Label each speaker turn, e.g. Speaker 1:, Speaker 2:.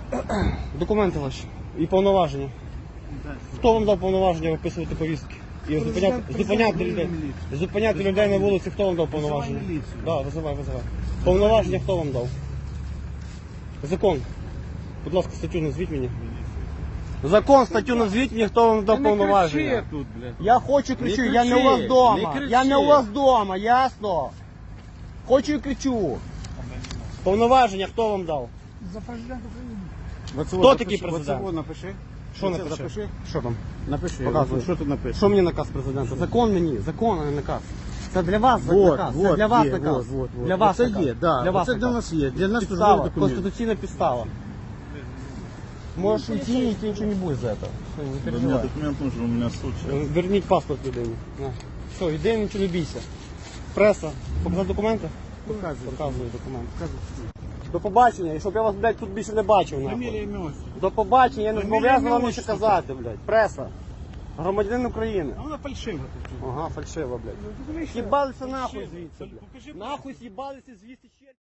Speaker 1: Документи ваші і повноваження. Хто вам дав повноваження виписувати повістки? І зупиняти людей. Зупиняти людей на вулиці, хто вам дав повноваження? Так, визивай. Повноваження хто вам дав? Закон. Будь ласка, статтю назвіть мені. Закон, статтю назвіть мені, хто вам дав повноваження. Я хочу кричу, я не у вас вдома. Я не у вас вдома, ясно? Хочу і кричу. Повноваження хто вам дав?
Speaker 2: За президента України.
Speaker 1: Хто такий президент?
Speaker 3: Оце напиши.
Speaker 1: Що напиши? Що там?
Speaker 3: Напиши.
Speaker 1: Показуй.
Speaker 3: Що тут напишеш?
Speaker 1: Що мені наказ президента? Закон мені, закон, а не наказ. Це для вас наказ, це для вас наказ. Для вас
Speaker 3: це
Speaker 1: наказ.
Speaker 3: є, да.
Speaker 1: Для вас
Speaker 3: Це для
Speaker 1: наказ.
Speaker 3: нас є. Для нас службовий
Speaker 1: Підстава,
Speaker 3: документ.
Speaker 1: конституційна підстава. Можеш уйти, и тебе ничего не будет за это. Все, не
Speaker 4: У меня
Speaker 1: переживай.
Speaker 4: документ нужен, у меня суд сейчас.
Speaker 1: Верніть паспорт людині. На. Все, іди, нічого не бійся. Преса, показати документи? Показую документи. До побачення, і щоб я вас, блядь, тут більше не бачив.
Speaker 3: Фамілія,
Speaker 1: Нахуй.
Speaker 3: ім'я.
Speaker 1: До побачення, я не
Speaker 3: Фамілія,
Speaker 1: зобов'язаний вам
Speaker 3: ім'я,
Speaker 1: нічого
Speaker 3: отчество.
Speaker 1: казати, блядь. Преса. Громадянин України.
Speaker 3: А вона фальшива тут.
Speaker 1: Ага, фальшиво, блядь.
Speaker 3: Ну,
Speaker 1: Їбалися нахуй звідси,
Speaker 3: Покажи,
Speaker 1: блядь. Нахуй з'їбалися звідси ще.